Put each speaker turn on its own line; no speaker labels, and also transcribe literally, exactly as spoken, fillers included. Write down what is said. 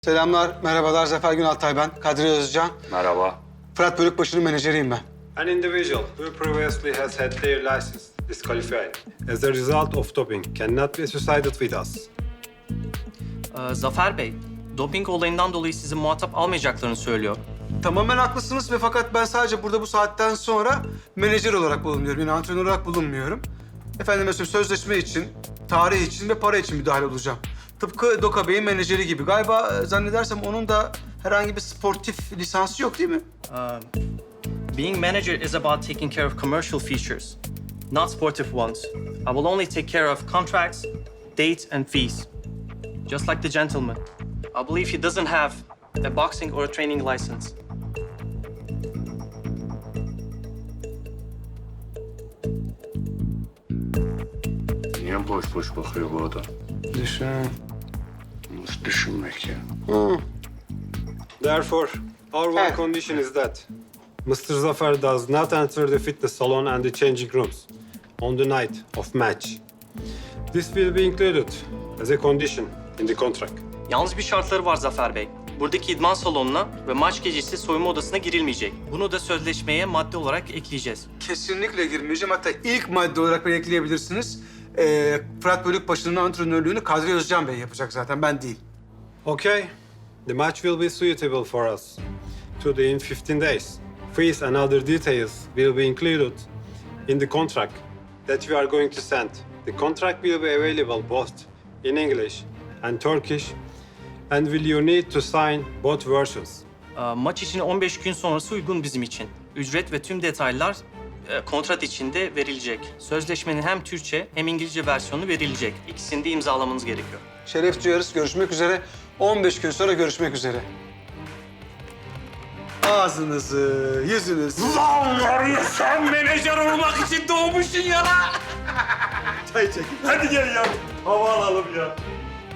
Selamlar, merhabalar. Zafer Günaltay ben. Kadri Özcan.
Merhaba.
Fırat Bölükbaşı'nın menajeriyim ben.
An individual who previously has had their license disqualified as a result of doping cannot be associated with us.
Ee, Zafer Bey, doping olayından dolayı sizi muhatap almayacaklarını söylüyor.
Tamamen haklısınız ve fakat ben sadece burada bu saatten sonra menajer olarak bulunuyorum. Yani antrenör olarak bulunmuyorum. Efendim mesela sözleşme için, tarih için ve para için müdahale olacağım. Tıpkı Doka Bey'in menajeri gibi. Galiba e, zannedersem onun da herhangi bir sportif lisansı yok değil mi?
Being manager is about taking care of commercial features, not sportive ones. I will only take care of contracts, dates, and fees. Just like the gentleman. I believe he doesn't have a boxing or a training license.
Niye boş boş bakıyor bu adam?
Düşün.
Nasıl düşünmek ya?
Therefore, our one
Hey.
condition is that mister Zafer does not enter the fitness salon and the changing rooms on the night of match. This will be included as a condition in the contract.
Yalnız bir şartları var Zafer Bey. Buradaki idman salonuna ve maç gecesi soyunma odasına girilmeyecek. Bunu da sözleşmeye madde olarak ekleyeceğiz.
Kesinlikle girmeyeceğim. Hatta ilk madde olarak beni ekleyebilirsiniz. Ee, Fırat Bölükbaşı'nın antrenörlüğünü Kadri Özcan Bey yapacak zaten, ben değil.
Okay, the match will be suitable for us to in fifteen days. Fees and other details will be included in the contract that we are going to send. The contract will be available both in English and Turkish, and will you need to sign both versions?
Ee, Maç için on beş gün sonrası uygun bizim için. Ücret ve tüm detaylar e, kontrat içinde verilecek. Sözleşmenin hem Türkçe hem İngilizce versiyonu verilecek. İkisini de imzalamanız gerekiyor.
Şeref duyarız. Görüşmek üzere. on beş gün sonra görüşmek üzere. Ağzınızı, yüzünüzü...
Lan var ya sen menajer olmak için doğmuşsun ya lan!
Çay çekin.
Hadi gel ya. Hava alalım ya.